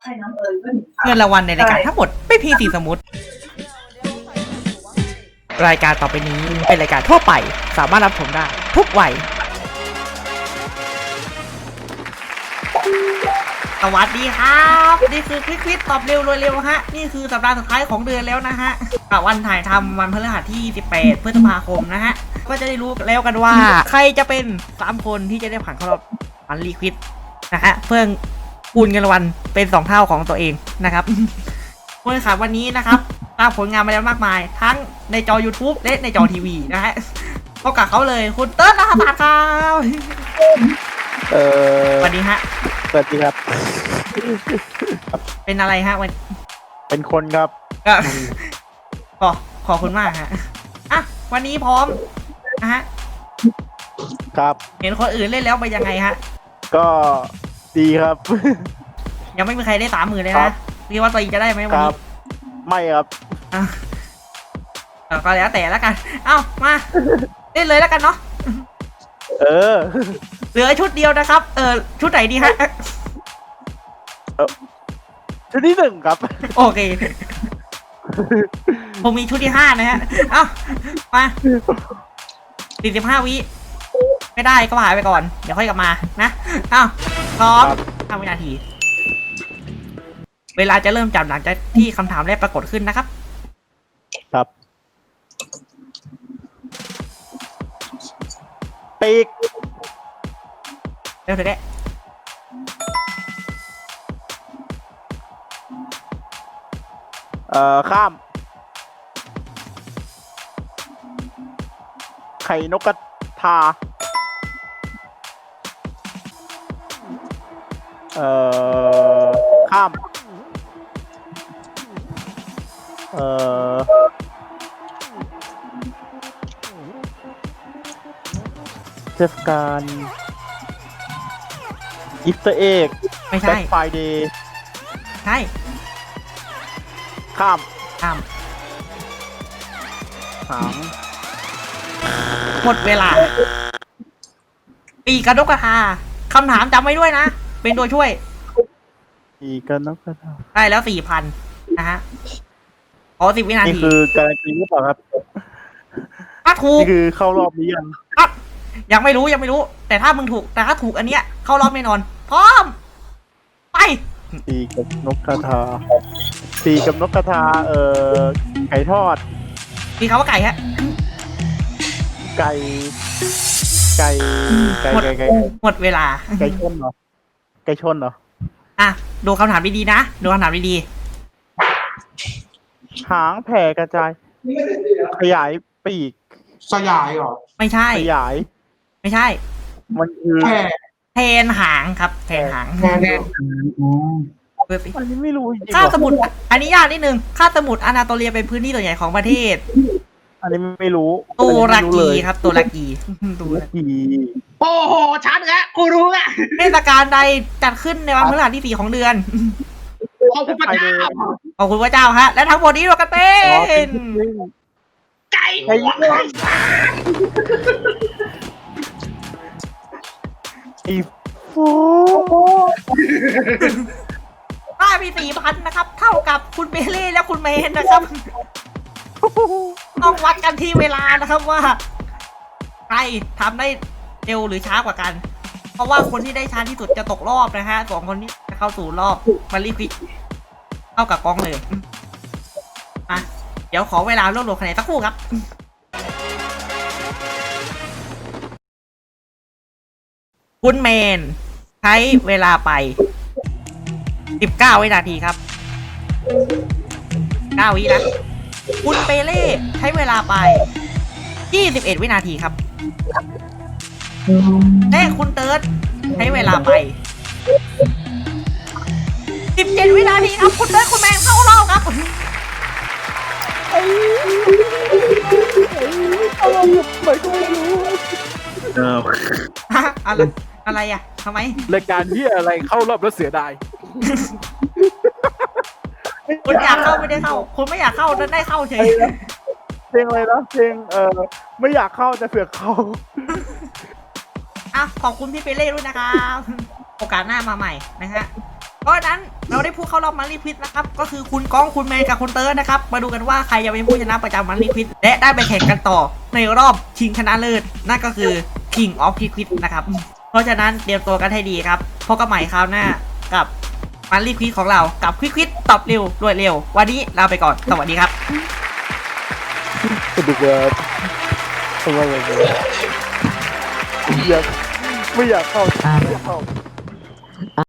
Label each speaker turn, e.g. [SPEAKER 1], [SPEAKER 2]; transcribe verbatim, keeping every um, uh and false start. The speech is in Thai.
[SPEAKER 1] เงินรางวัลในรายการทั้งหมดไม่เพียงสีสมุดรายการต่อไปนี้เป็นรายการทั่วไปสามารถรับชมได้ทุกวัยสวัสดีครับนี่คือคลิกคลิกตอบเร็วรวยเร็วฮะนี่คือสัปดาห์สุดท้ายของเดือนแล้วนะฮะวันถ่ายทำวันพฤหัสที่สิบแปดพฤษภาคมนะฮะก็จะได้รู้แล้วกันว่าใครจะเป็นสามคนที่จะได้ผ่านเข้ารอบวันรีควิดนะฮะเพื่อคูณเงินรางวัลเป็นสองเท่าของตัวเองนะครับผู้แข่งขันวันนี้นะครับสร้างผลงานมาแล้วมากมายทั้งในจอ YouTube และในจอทีวีนะฮะพบกับเขาเลยคุณเติ้ลนะครับครับ
[SPEAKER 2] เออ
[SPEAKER 1] สวัสดีฮะ
[SPEAKER 2] สวัสดีครับ
[SPEAKER 1] เป็นอะไรฮะวัน
[SPEAKER 2] เป็นคนครับ
[SPEAKER 1] ขอขอบคุณมากฮะอ่ะวันนี้พร้อมนะฮะ
[SPEAKER 2] ครับ
[SPEAKER 1] เห็นคนอื่นเล่นแล้วไปยังไงฮะ
[SPEAKER 2] ก็ดีครับ
[SPEAKER 1] ยังไม่มีใครได้สามหมื่นเลยนะพี่ว่าตัวเองจะได้ไหมวันนี้
[SPEAKER 2] ไม่ครับ
[SPEAKER 1] อ่ะก็แล้วแต่แล้วกันเอ้ามาเล่นเลยแล้วกันเนาะ
[SPEAKER 2] เออ
[SPEAKER 1] เหลือชุดเดียวนะครับเออชุดไหนดีฮะ
[SPEAKER 2] ชุดที่หนึ่งครับ
[SPEAKER 1] โอเคผมมีชุดที่ห้านะฮะเอ้ามาสี่สิบห้าวิไม่ได้ก็หายไปก่อนเดี๋ยวค่อยกลับมานะเอ้าพร้อมห้าวินาทีเวลาจะเริ่มจับหลังจากที่คำถามแรกปรากฏขึ้นนะครับ
[SPEAKER 2] ครับปีก
[SPEAKER 1] เร็วเถอะแก
[SPEAKER 2] เอ่อข้ามไข่นกกระทาเอ่อข้ามเอ่อเทศกาลอีสเตอร์เอ็ก
[SPEAKER 1] ไม่ใช่
[SPEAKER 2] แบล็คไฟเดย์
[SPEAKER 1] ใช่
[SPEAKER 2] ข้าม
[SPEAKER 1] ข้าม
[SPEAKER 2] หาง
[SPEAKER 1] หมดเวลาปีกระดกกระทาคำถามจำไว้ด้วยนะเป็นตัวช่วย
[SPEAKER 2] ปีกระดกกระทา
[SPEAKER 1] ได้แล้วสี่พันนะฮะขอสิบวินาที
[SPEAKER 2] นี่คือการันตีหรือเปล่าครับ
[SPEAKER 1] ถ้าถูก
[SPEAKER 2] นี่คือเข้ารอบนี้ยัง
[SPEAKER 1] ครับยังไม่รู้ยังไม่รู้แต่ถ้ามึงถูกแต่ถ้าถูกอันเนี้ยเข้ารอบแน่นอนพร้อมไป
[SPEAKER 2] ปีกับนกกระทาปีกับนกกระทาเอ่อไก่ทอด
[SPEAKER 1] มีคำว่าไก่ฮะ
[SPEAKER 2] ไก่ไก่ไก่ไก่ไก่
[SPEAKER 1] หมดเวลา
[SPEAKER 2] ไก่ชนเหรอไก่ชนเหรอ
[SPEAKER 1] อ่ะดูคำถามดีๆนะดูคำถามดี
[SPEAKER 2] ๆหางแผ่กระจายขยายปีก
[SPEAKER 3] สยายเหรอ
[SPEAKER 1] ไม่ใช่
[SPEAKER 2] ขยาย
[SPEAKER 1] ไม่ใช่
[SPEAKER 2] มันคือ
[SPEAKER 1] แทนหางครับแทนหาง
[SPEAKER 3] แทน
[SPEAKER 2] อันนี้ไม่รู้จริง
[SPEAKER 1] ค่าสมุทรอันนี้ยากนิดนึงค่าสมุทรอนาโตเลียเป็นพื้นที่ส่วนใหญ่ของประเทศ
[SPEAKER 2] อันนี้ไม่รู้
[SPEAKER 1] ตุรกีครับตุรกี
[SPEAKER 2] ตุรกี
[SPEAKER 3] โอ้โหชัดแล้วกูรู้อ่ะ
[SPEAKER 1] เทศกาลใดจัดขึ้นในวันพฤหัสที่สี่ของเดือน
[SPEAKER 3] ขอบคุณพระเจ้า
[SPEAKER 1] ขอบคุณพระเจ้าฮะและทั้งหมดนี้รวมกันเป็น
[SPEAKER 3] ไก่หัว
[SPEAKER 2] ไอ้โฟ
[SPEAKER 1] ได้ไปสี่พันนะครับเท่ากับคุณเบเล่และคุณเมนนะครับต้องวัดกันที่เวลานะครับว่าใครทำได้เร็วหรือช้ากว่ากันเพราะว่าคนที่ได้ช้าที่สุดจะตกรอบนะฮะสองคนนี้จะเข้าสู่รอบมารีควิกเข้ากับกองเลยอ่ะเดี๋ยวขอเวลารวบรวมคะแนนสักครู่ครับคุณเมนใช้เวลาไปสิบเก้าวินาทีครับเก้าวินะคุณเปเล่ใช้เวลาไปยี่สิบเอ็ดวินาทีครับและคุณเติร์ดใช้เวลาไปสิบเจ็ดวินาทีครับคุณเติร์ดคุณแมนเข้ารอบครับอะไรอะไรอ่ะทำไม
[SPEAKER 2] รายการที่อะไรเข้ารอบแล้วเสียดาย
[SPEAKER 1] คุณอยากเข้าไม่ได้เข้าคุณไม่อยากเข้าแต่ได้เข้าเฉย
[SPEAKER 2] เพลงอะไรนะเพลงเออไม่อยากเข้าแต่เสือกเข้า
[SPEAKER 1] อ่ะขอบคุณพี่เปเล่ด้วยนะครับโอกาสหน้ามาใหม่นะฮะเพราะฉะนั้นเราได้ผู้เข้ารอบมันรีควิดนะครับก็คือคุณก้องคุณเมย์กับคุณเติร์ดนะครับมาดูกันว่าใครจะเป็นผู้ชนะประจำมันรีควิดและได้ไปแข่งกันต่อในรอบชิงชนะเลิศนั่นก็คือ King of Liquid นะครับเพราะฉะนั้นเตรียมตัวกันให้ดีครับพบกันใหม่คราวหน้ากับมันรีควิดของเรากับควิดควิดตอบเร็วรวดเร็ววันนี้ลาไปก่อนสวัสดีครับ
[SPEAKER 2] สนุกเลยทำไมแบบนี้อยากไม่อยากเข้าไม่อยากเข้า